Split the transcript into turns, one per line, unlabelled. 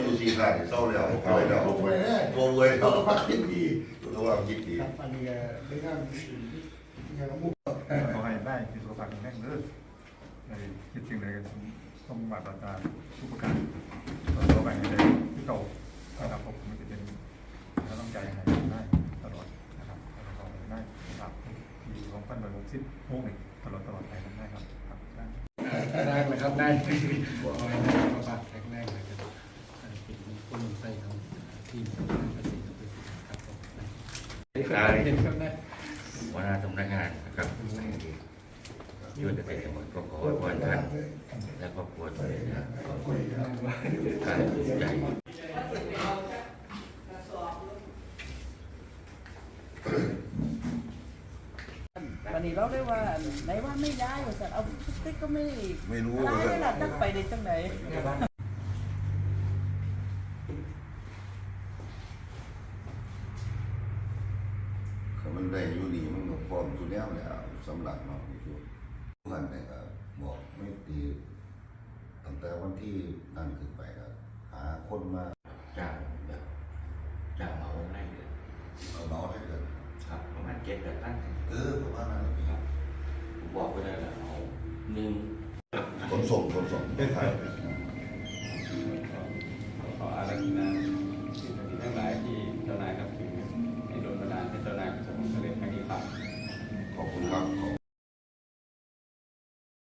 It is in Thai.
อยู่สี่ขาดเศร้าแล้วป่วยแล้วป่วยแล้วสุขภาพคิดดีสุขภาพคิดดี
อันนี้ได้งานงานมุก
ขอให้ได้มีสุขภาพแข็งแรงเด้อในคิดสิ่งใดก็ต้องมาตรการทุกประการต่อไปในที่โตนะครับผมมันจะเป็นเราต้องใจให้ได้ตลอดนะครับต่อไปได้ครับที่ของพัน160โมงตลอดไปได้ครับ
ได้เลยครับได้ขอให้สุขภาพแข็งแรงนะครับเป็นคนใส่ของทีมสำนักภาษีครับผมเห็นครับได้
หัวหน้าสำนักงานนะครับช่วยเกษตรจังหวัดก็ขอให้ท่านและครอบครัวทุกท่านการสุขใจ
วันนี้เราได้ว่าไหนว่าไม่ย้ายว่าสัตว์เอาติ๊กก็ไม่
รู้
ย้ายล่ะตั้งไปในจังไหน
มันได้อยู่ดีมันก็พร้อมสุดแล้วแหละสำหรับน้องที่สุดเพื่อนเนี่ยก็บอกไม่ตีตั้งแต่วันที่นั่นขึ้นไปก็หาคนมา
จ้างแบบจ้างเหมาได้เลย
เอาน้องให้เกิด
ครับประมาณ7-8 ตั้ง
ประมาณนั้น
ครับผมบอกไปได้แล้วเอา1
ขนส่งได้ขาย